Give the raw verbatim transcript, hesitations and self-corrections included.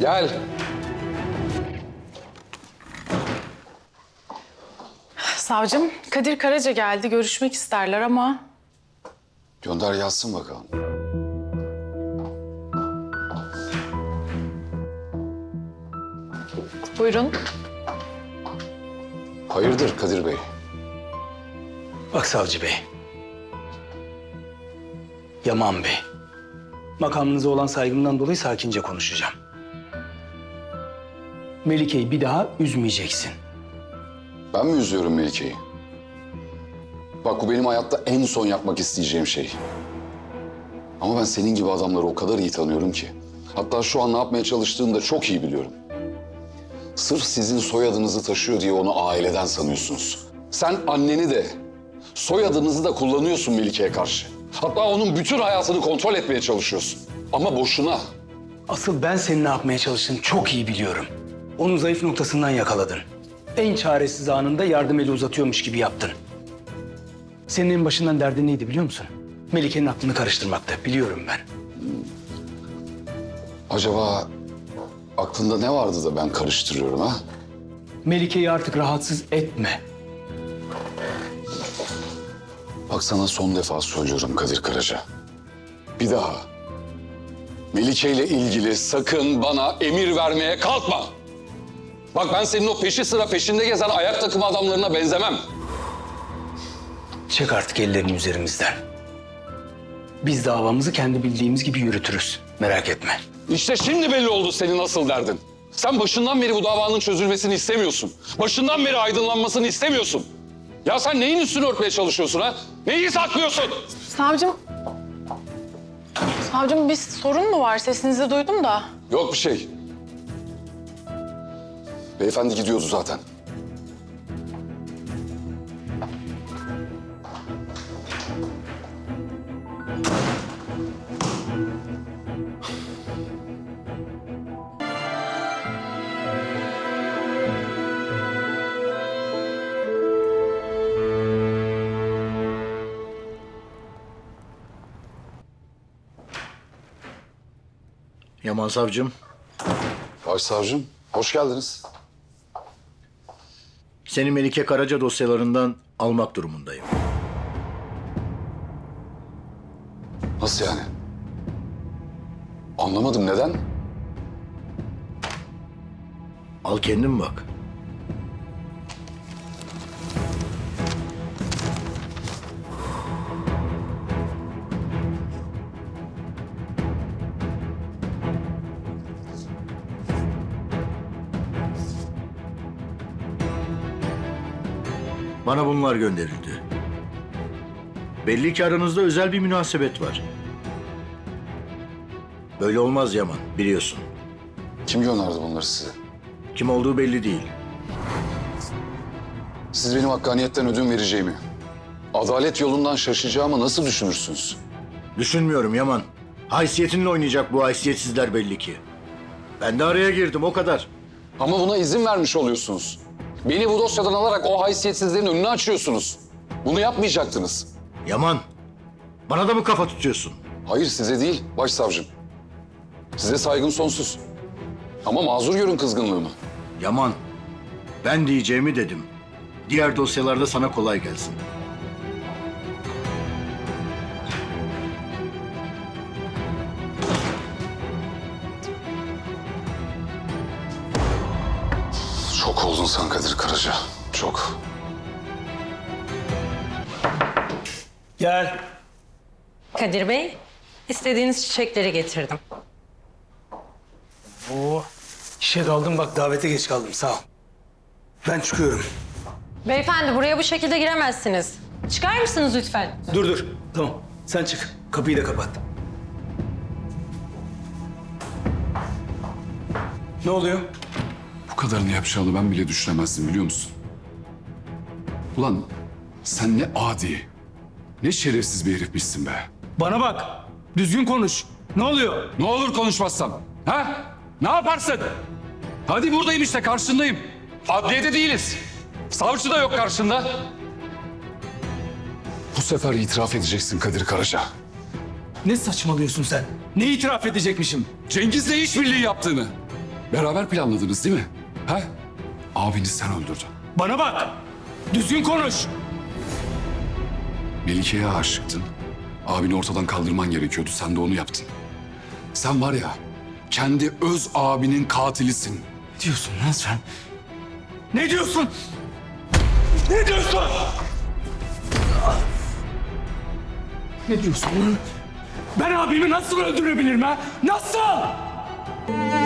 Gel. Savcım, Kadir Karaca geldi. Görüşmek isterler ama... Gönder yazsın bakalım. Buyurun. Hayırdır Kadir Bey? Bak Savcı Bey. Yaman Bey. Makamınıza olan saygımdan dolayı sakince konuşacağım. Melike'yi bir daha üzmeyeceksin. Ben mi üzüyorum Melike'yi? Bak bu benim hayatta en son yapmak isteyeceğim şey. Ama ben senin gibi adamları o kadar iyi tanıyorum ki. Hatta şu an ne yapmaya çalıştığını da çok iyi biliyorum. Sırf sizin soyadınızı taşıyor diye onu aileden sanıyorsunuz. Sen anneni de, soyadınızı da kullanıyorsun Melike'ye karşı. Hatta onun bütün hayatını kontrol etmeye çalışıyorsun. Ama boşuna. Asıl ben senin ne yapmaya çalıştığını çok iyi biliyorum. Onun zayıf noktasından yakaladın. En çaresiz anında yardım eli uzatıyormuş gibi yaptın. Senin en başından derdin neydi biliyor musun? Melike'nin aklını karıştırmakta. Biliyorum ben. Acaba aklında ne vardı da ben karıştırıyorum ha? Melike'yi artık rahatsız etme. Bak sana son defa söylüyorum Kadir Karaca. Bir daha Melike ile ilgili sakın bana emir vermeye kalkma. Bak ben senin o peşi sıra peşinde gezen ayak takımı adamlarına benzemem. Çek artık ellerini üzerimizden. Biz davamızı kendi bildiğimiz gibi yürütürüz. Merak etme. İşte şimdi belli oldu senin asıl derdin. Sen başından beri bu davanın çözülmesini istemiyorsun. Başından beri aydınlanmasını istemiyorsun. Ya sen neyin üstünü örtmeye çalışıyorsun ha? Neyi saklıyorsun? Savcım... Savcım bir sorun mu var? Sesinizi duydum da. Yok bir şey. Beyefendi gidiyordu zaten. Yaman savcım, Başsavcım, hoş geldiniz. seni Melike Karaca dosyalarından almak durumundayım. Nasıl yani? Anlamadım, neden? Al kendin bak. Bana bunlar gönderildi. Belli ki aranızda özel bir münasebet var. Böyle olmaz Yaman, biliyorsun. Kim gönderdi bunları size? Kim olduğu belli değil. Siz benim hakkaniyetten ödün vereceğimi, adalet yolundan şaşacağımı nasıl düşünürsünüz? Düşünmüyorum Yaman. Haysiyetinle oynayacak bu haysiyetsizler belli ki. Ben de araya girdim, o kadar. Ama buna izin vermiş oluyorsunuz. Beni bu dosyadan alarak o haysiyetsizlerin önünü açıyorsunuz. Bunu yapmayacaktınız. Yaman, bana da mı kafa tutuyorsun? Hayır size değil, başsavcım. Size saygım sonsuz. Ama mazur görün kızgınlığımı. Yaman, ben diyeceğimi dedim. Diğer dosyalarda sana kolay gelsin. Çok oldun sen Kadir Karaca, çok. Gel. Kadir Bey, istediğiniz çiçekleri getirdim. Oo, işe daldım bak davete geç kaldım sağ ol. Ben çıkıyorum. Beyefendi buraya bu şekilde giremezsiniz. Çıkar mısınız lütfen? Dur dur tamam sen çık kapıyı da kapat. Ne oluyor? Bu kadarını yapacağını ben bile düşünemezdim biliyor musun? Ulan sen ne adi, ne şerefsiz bir herifmişsin be. Bana bak düzgün konuş. Ne oluyor? Ne olur konuşmazsam. Ha? Ne yaparsın? Hadi buradayım işte karşındayım. Adliyede değiliz. Savcı da yok karşında. Bu sefer itiraf edeceksin Kadir Karaca. Ne saçmalıyorsun sen? Ne itiraf edecekmişim? Cengiz'le işbirliği yaptığını. Beraber planladınız değil mi? Ha? Abini sen öldürdün. Bana bak. Düzgün konuş. Melike'ye aşıktın. Abini ortadan kaldırman gerekiyordu. Sen de onu yaptın. Sen var ya, kendi öz abinin katilisin. Ne diyorsun lan sen? Ne diyorsun? Ne diyorsun? Ne diyorsun lan? Ben abimi nasıl öldürebilirim ha? Nasıl?